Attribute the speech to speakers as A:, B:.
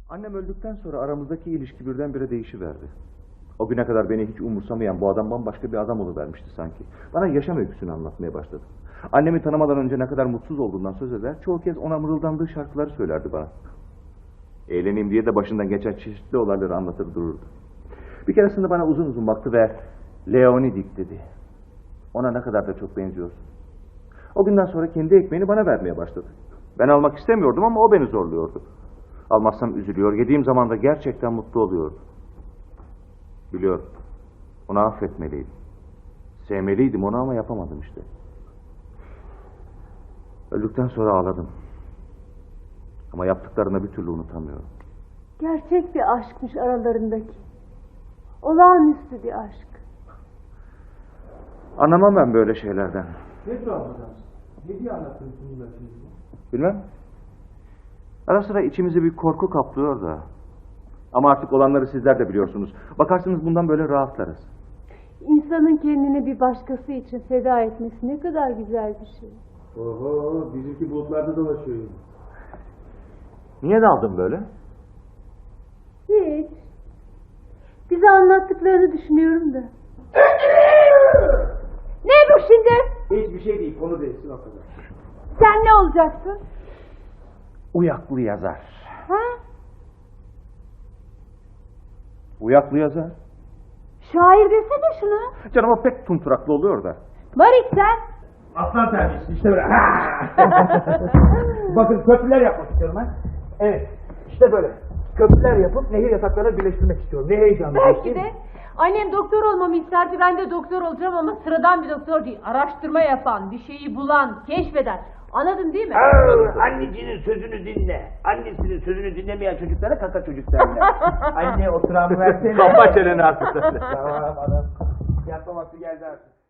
A: Annem öldükten sonra aramızdaki ilişki birdenbire değişiverdi. O güne kadar beni hiç umursamayan bu adam bambaşka bir adam oluvermişti sanki. Bana yaşam öyküsünü anlatmaya başladı. Annemi tanımadan önce ne kadar mutsuz olduğundan söz eder, çoğu kez ona mırıldandığı şarkıları söylerdi bana. Eğleneyim diye de başından geçen çeşitli olayları anlatır dururdu. Bir keresinde bana uzun uzun baktı ve Leonidik dedi. Ona ne kadar da çok benziyorsun. O günden sonra kendi ekmeğini bana vermeye başladı. Ben almak istemiyordum ama o beni zorluyordu. Almazsam üzülüyor, yediğim zaman da gerçekten mutlu oluyordu. Biliyorum, onu affetmeliydim. Sevmeliydim onu ama yapamadım işte. Öldükten sonra ağladım. Ama yaptıklarını bir türlü unutamıyorum.
B: Gerçek bir aşkmış aralarındaki. Olağanüstü bir aşk.
A: Anlamam ben böyle şeylerden.
C: Ne tuhaf adamsın. Ne diye anlatıyorsun bunları şimdi?
A: Bilmem. Ara sıra içimizi bir korku kaplıyor da. Ama artık olanları sizler de biliyorsunuz. Bakarsınız bundan böyle rahatlarız.
B: İnsanın kendini bir başkası için feda etmesi ne kadar güzel bir şey.
C: Oho, bizimki bulutlarda dolaşıyor yine.
A: Niye daldın böyle?
B: Hiç. Bize anlattıklarını düşünüyorum da. Ne bu şimdi?
C: Hiçbir şey değil, konu değilsin o kadar.
B: Sen ne olacaksın?
A: Uyaklı yazar.
B: Ha?
A: Uyaklı yazar.
B: Şair desene şunu.
A: Canım o pek tunturaklı oluyor da.
B: Marik sen.
C: Aslan terbiyesi işte böyle. Bakın köprüler yapmak istiyorum ben. Evet, işte böyle. Köprüler yapıp nehir yataklarına birleştirmek istiyorum. Ne heyecanlı.
D: Belki de annem doktor olmamı isterdi, ben de doktor olacağım ama sıradan bir doktor değil. Araştırma yapan, bir şeyi bulan, keşfeden. Anladın değil mi?
C: Annecinin sözünü dinle. Annesinin sözünü dinlemeyen çocuklara kaka çocuk derler. Anne oturan versene.
A: Kapa çeneni artık.
C: Tamam adam. Yatma vakti geldi artık.